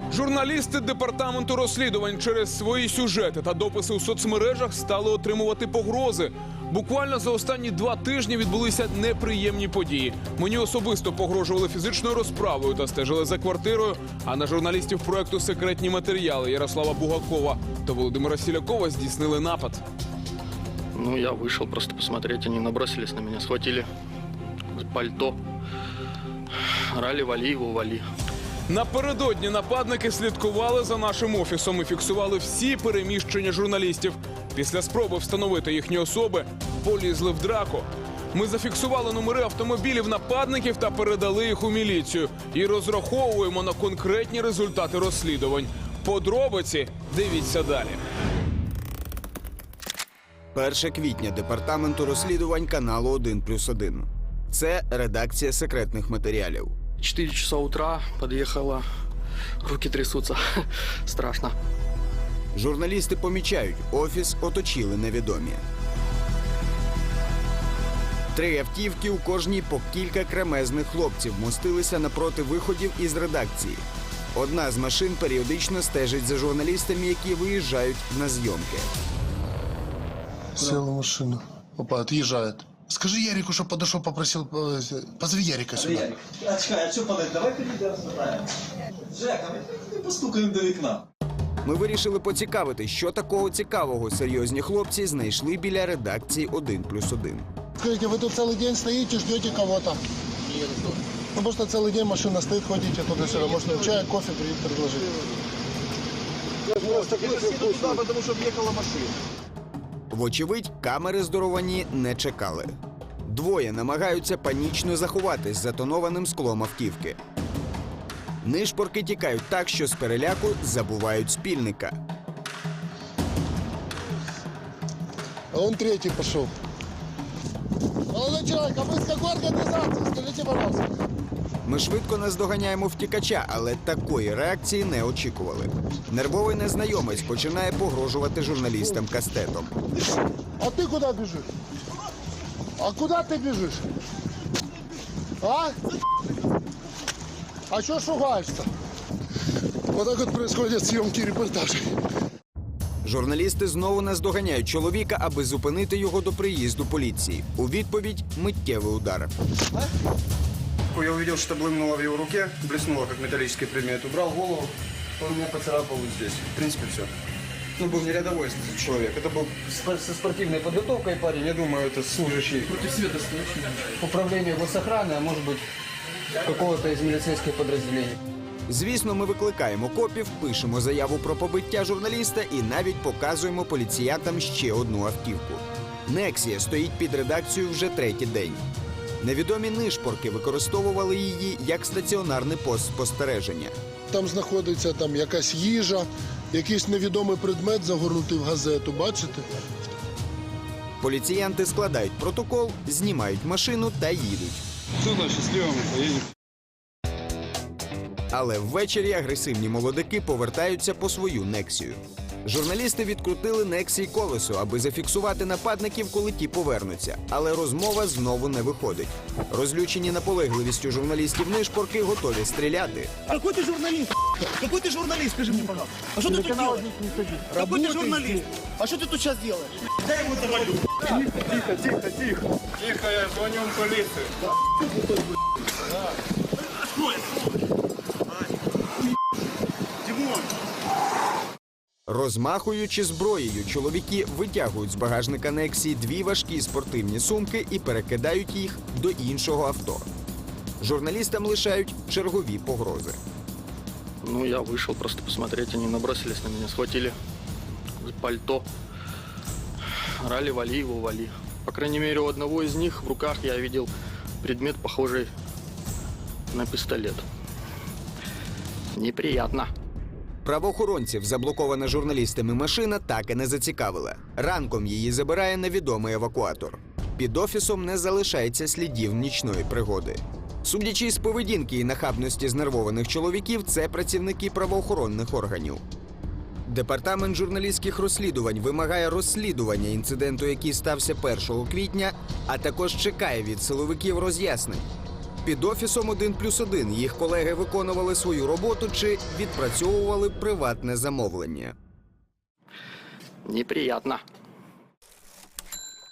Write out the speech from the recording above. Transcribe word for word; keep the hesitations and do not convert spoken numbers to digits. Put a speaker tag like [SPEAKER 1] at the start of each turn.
[SPEAKER 1] Журналісти департаменту розслідувань через свої сюжети та дописи у соцмережах стали отримувати погрози. Буквально за останні два тижні відбулися неприємні події. Мені особисто погрожували фізичною розправою та стежили за квартирою, а на журналістів проекту «Секретні матеріали» Ярослава Бугакова та Володимира Сілякова здійснили напад.
[SPEAKER 2] Ну, я вышел просто посмотреть, они набросились на меня, схватили пальто. Орали, вали его, вали.
[SPEAKER 1] Напередодні нападники слідкували за нашим офісом і фіксували всі переміщення журналістів. Після спроби встановити їхні особи полізли в драку. Ми зафіксували номери автомобілів нападників та передали їх у міліцію. І розраховуємо на конкретні результати розслідувань. Подробиці дивіться далі.
[SPEAKER 3] перше квітня департаменту розслідувань каналу один плюс один. Це редакція секретних матеріалів.
[SPEAKER 2] Четыре часа утра подъехала, руки трясутся, страшно.
[SPEAKER 3] Журналісти помічають, офіс оточили невідомі. Три автівки, у кожній по кілька кремезних хлопців мостилися напроти виходів із редакції. Одна з машин періодично стежить за журналістами, які виїжджають на зйомки.
[SPEAKER 4] Сел в машину. Опа, отъезжает. Скажи Ярику, чтобы подошел, попросил, э, позови Ярика сюда.
[SPEAKER 5] Ярик, а чекай, а що подати? Давай підійдемо розбираємо. Жека, ми постукаємо до вікна.
[SPEAKER 3] Ми вирішили поцікавити, що такого цікавого серйозні хлопці знайшли біля редакції один плюс один.
[SPEAKER 4] Скажите, вы тут целый день стоите, ждете кого-то? Нет. Ну, просто целый день машина стоит, ходите туда-сюда. Можно чай, кофе предложить.
[SPEAKER 5] Я туда, потому що в'їхала машина.
[SPEAKER 3] Вочевидь, камери здоровані не чекали. Двоє намагаються панічно заховатись за тонованим склом автівки. Нишпорки тікають так, що з переляку забувають спільника.
[SPEAKER 4] А он третий пошел. Молодой человек, а вы с какой организации? Скажите, пожалуйста.
[SPEAKER 3] Ми швидко наздоганяємо втікача, але такої реакції не очікували. Нервовий незнайомець починає погрожувати журналістам кастетом.
[SPEAKER 4] А ты куда бежишь? А куда ты бежишь? А? А что шугаешься? Вот так вот происходят съемки и репортажи.
[SPEAKER 3] Журналісти знову наздоганяють чоловіка, аби зупинити його до приїзду поліції. У відповідь – миттєвий удар.
[SPEAKER 6] Я увидел, что блымнуло в его руке, блеснуло, как металлический предмет. Убрал голову, он меня поцарапал вот здесь. В принципе, все. Ну, был не рядовой человек. Это был со спортивной подготовкой парень. Я думаю, это служащий. Против света стоящий. Управление госохраны, а может быть, какого-то из милицейских подразделений.
[SPEAKER 3] Звісно, ми викликаємо копів, пишемо заяву про побиття журналіста і навіть показуємо поліціянтам ще одну автівку. Нексія стоїть під редакцією вже третій день. Невідомі нишпорки використовували її як стаціонарний пост спостереження.
[SPEAKER 4] Там знаходиться там якась їжа, якийсь невідомий предмет загорнутий в газету, бачите?
[SPEAKER 3] Поліціянти складають протокол, знімають машину та їдуть.
[SPEAKER 6] Все, значит, счастливо мы поедем.
[SPEAKER 3] Але ввечері агресивні молодики повертаються по свою нексію. Журналісти відкрутили нексії колесо, аби зафіксувати нападників, коли ті повернуться. Але розмова знову не виходить. Розлючені наполегливістю журналістів нишпорки готові стріляти.
[SPEAKER 7] Какой ты журналист? Какой ты журналист, скажи мне, пожалуйста. А что ты тут делаешь? Какой ты журналист? А что ты тут сейчас делаешь? Дай ему завалю.
[SPEAKER 6] Тихо, тихо, тихо. Тихо, я звоню в полицию.
[SPEAKER 7] Димон!
[SPEAKER 3] Розмахуючи зброєю, чоловіки витягують з багажника нексії дві важкі спортивні сумки і перекидають їх до іншого авто. Журналістам лишають чергові погрози.
[SPEAKER 2] Ну, я вышел просто посмотреть, они набросились на меня, схватили пальто. Орали, вали его, вали. По крайней мере, у одного из них в руках я видел предмет, похожий на пистолет. Неприятно.
[SPEAKER 3] Правоохоронців заблокована журналістами машина так і не зацікавила. Ранком її забирає невідомий евакуатор. Під офісом не залишається слідів нічної пригоди. Судячи з поведінки і нахабності знервованих чоловіків, це працівники правоохоронних органів. Департамент журналістських розслідувань вимагає розслідування інциденту, який стався першого квітня, а також чекає від силовиків роз'яснень. Під офісом один плюс один їх колеги виконували свою роботу чи відпрацьовували приватне замовлення.
[SPEAKER 2] Неприятно.